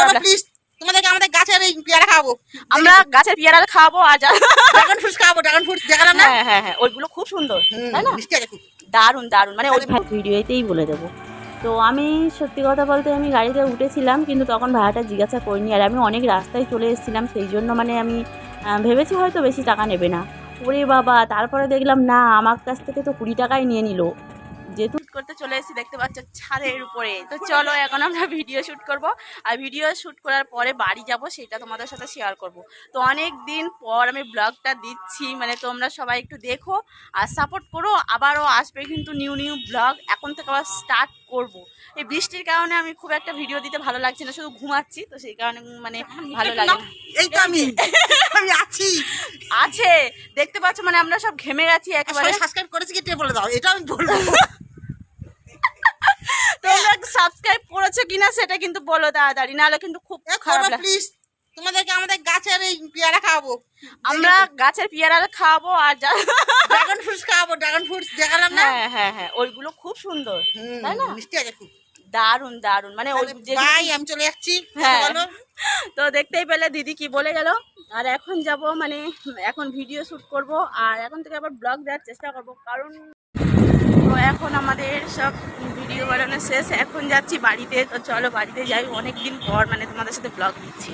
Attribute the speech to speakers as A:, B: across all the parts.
A: Please তোমাদেরকে আমাদের গাছের এই পেয়ারা খাওয়াবো।
B: আমরা গাছের পেয়ারা খাওয়াবো আর
A: ড্রাগন ফ্রুটস খাওয়াবো। ড্রাগন ফ্রুটস দেখালাম না?
B: হ্যাঁ হ্যাঁ হ্যাঁ, ওইগুলো খুব সুন্দর, তাই না?
A: মিষ্টি আছে খুব।
B: দারুণ দারুণ, মানে ওই
C: ভিডিওতেই বলে দেবো। তো আমি সত্যি কথা বলতে আমি গাড়িতে উঠেছিলাম, কিন্তু তখন ভাড়াটা জিজ্ঞাসা করিনি। আর আমি অনেক রাস্তায় চলে এসেছিলাম, সেই জন্য মানে আমি ভেবেছি হয়তো বেশি টাকা নেবে না। ওরে বাবা, তারপরে দেখলাম না, আমার কাছ থেকে তো 20 টাকাই নিয়ে নিল। যেহেতু
B: শ্যুট করতে চলে এসেছি, দেখতে পাচ্ছ ছাদের উপরে। তো চলো এখন আমরা ভিডিও শ্যুট করব, আর ভিডিও শ্যুট করার পরে বাড়ি যাব, সেটা তোমাদের সাথে শেয়ার করব। তো অনেক দিন পর আমি ব্লগটা দিচ্ছি, মানে তোমরা সবাই একটু দেখো আর সাপোর্ট করো। আবারও আসবে কিন্তু নিউ নিউ ব্লগ, এখন থেকে আবার স্টার্ট করব। এই বৃষ্টির কারণে আমি খুব একটা ভিডিও দিতে ভালো লাগছে না, শুধু ঘুমাচ্ছি, তো সেই কারণে মানে ভালো লাগে না।
A: এই তো আমি আমি আছি
B: আছে দেখতে পাচ্ছ, মানে আমরা সব ঘেমে গেছি একেবারে।
A: সাবস্ক্রাইব করেছি কি বলে দাও, এটা আমি বলবো।
B: তোমরা সাবস্ক্রাইব করেছো কিনা সেটা কিন্তু বলো তাড়াতাড়ি, নাহলে কিন্তু খুব খারাপ লাগে।
A: প্লিজ তোমাদেরকে আমাদের গাছের এই পেয়ারা খাওয়াবো।
B: আমরা গাছের পেয়ারা খাওয়াবো আর
A: ড্রাগন ফ্রুটস খাওয়াবো। ড্রাগন ফ্রুটস দেখালাম না?
B: হ্যাঁ হ্যাঁ হ্যাঁ, ওইগুলো খুব সুন্দর, তাই না?
A: মিষ্টি আছে খুব।
B: দারুণ দারুণ, মানে ওই
A: বাই, আমি চলে যাচ্ছি।
B: হ্যাঁ।
A: বলো।
B: তো দেখতেই পেলে দিদি কি বলে গেল। আর এখন যাব, মানে এখন ভিডিও শুট করব, আর এখন থেকে আবার ব্লগ দেওয়ার চেষ্টা করব, কারণ তো এখন আমাদের সব ভিডিও বানানো শেষ, এখন যাচ্ছি বাড়িতে। তো চলো বাড়িতে যাই, অনেক দিন পর মানে তোমাদের সাথে ব্লগ দিচ্ছি।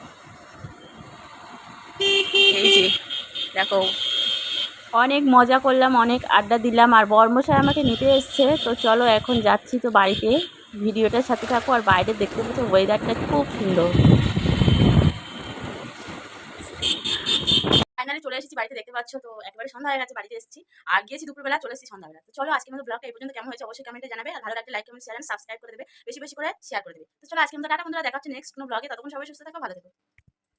B: এই যে দেখো,
C: অনেক মজা করলাম, অনেক আড্ডা দিলাম, আর বর্মশাই আমাকে নিতে এসছে। তো চলো এখন যাচ্ছি তো বাড়িতে। ভিডিওটার সাথে থাকো, আর বাইরে দেখতে পাচ্ছ ওয়েদারটা খুব সুন্দর।
B: ফাইনালি চলে এসেছি বাড়িতে, দেখতে পাচ্ছ। তো একেবারে সন্ধ্যা হয়ে গেছে, বাড়িতে এসেছি আর গিয়েছি দুপুরবেলা, চলে এসেছি সন্ধ্যাবেলা। তো চলো আজকে আমাদের ব্লগটা এই পর্যন্ত কেমন হয়েছে অবশ্যই কমেন্টে জানাবে, আর ভালো লাগলে like comment share and subscribe করে দেবে, বেশি বেশি করে শেয়ার করে দেবে। তো চলো আজকে আমাদের টাটা বন্ধুরা, দেখা হচ্ছে নেক্সট কোনো ব্লগে। ততক্ষণ সবাই সুস্থ থাকো, ভালো থেকো।